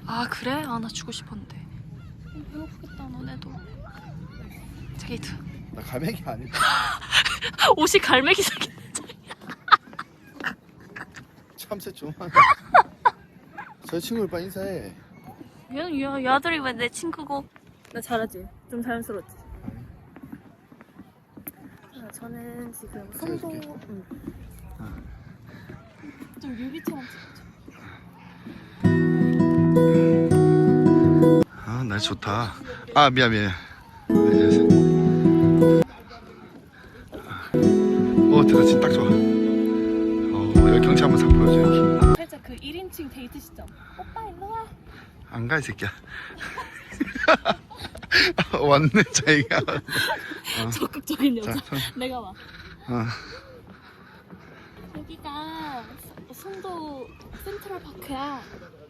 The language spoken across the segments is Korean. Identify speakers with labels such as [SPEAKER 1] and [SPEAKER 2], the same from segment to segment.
[SPEAKER 1] 아 그래? 아 나 주고 싶었는데. 배고프겠다 너네도. 자기도.
[SPEAKER 2] 나 갈매기 아니야.
[SPEAKER 1] 옷이 갈매기 색이.
[SPEAKER 2] 참새 좀. 저 친구를 빨리 인사해.
[SPEAKER 1] 얘 아들이 왜 내 친구고? 나 잘하지? 좀 자연스럽지? 저는 지금 송도. 응. 좀 뮤비처럼 찍어줘.
[SPEAKER 2] 아, 날 좋다. 아, 미안. 됐다. 진짜 딱 좋아. 여기 경치 한번 싹 보여줘, 여기.
[SPEAKER 1] 살짝 그 1인칭 데이트 시점. 오빠 일로 와.
[SPEAKER 2] 안 가, 이 새끼야. 왔네, 자기가.
[SPEAKER 1] 적극적인 여자.
[SPEAKER 2] 자,
[SPEAKER 1] 내가 와.
[SPEAKER 2] 어.
[SPEAKER 1] 여기가 송도 센트럴파크야.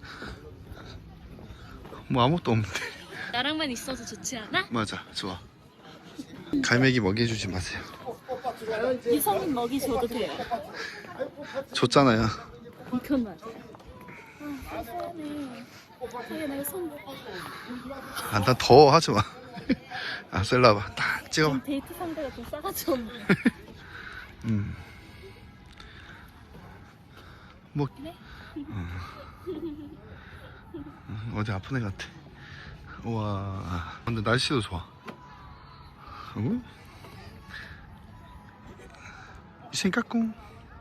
[SPEAKER 2] 뭐 아무것도 없는데.
[SPEAKER 1] 나랑만 있어서 좋지 않아?
[SPEAKER 2] 맞아, 좋아. 갈매기 먹이 주지 마세요.
[SPEAKER 1] 이성인 먹이 줘도 돼요.
[SPEAKER 2] 줬잖아요.
[SPEAKER 1] 이건 맞아. 아, 미안해. 자기 내가 손
[SPEAKER 2] 아, 나 더워 하지 마. 아, 셀라 봐. 딱 찍어봐.
[SPEAKER 1] 데이트 상대가 좀 싸가지 없네.
[SPEAKER 2] 뭐
[SPEAKER 1] 그래?
[SPEAKER 2] 어디 아픈 애 같아. 우와. 근데 날씨도 좋아. 응? 신까꿍.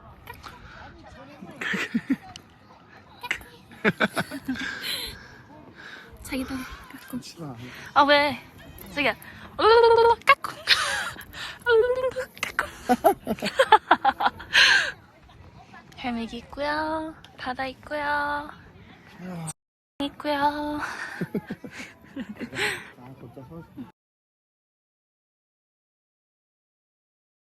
[SPEAKER 1] 자기도 까꿍. 아 왜? 자기야. 까꿍. 까꿍. 갈매기 있고요. 바다 있고요. 있고요.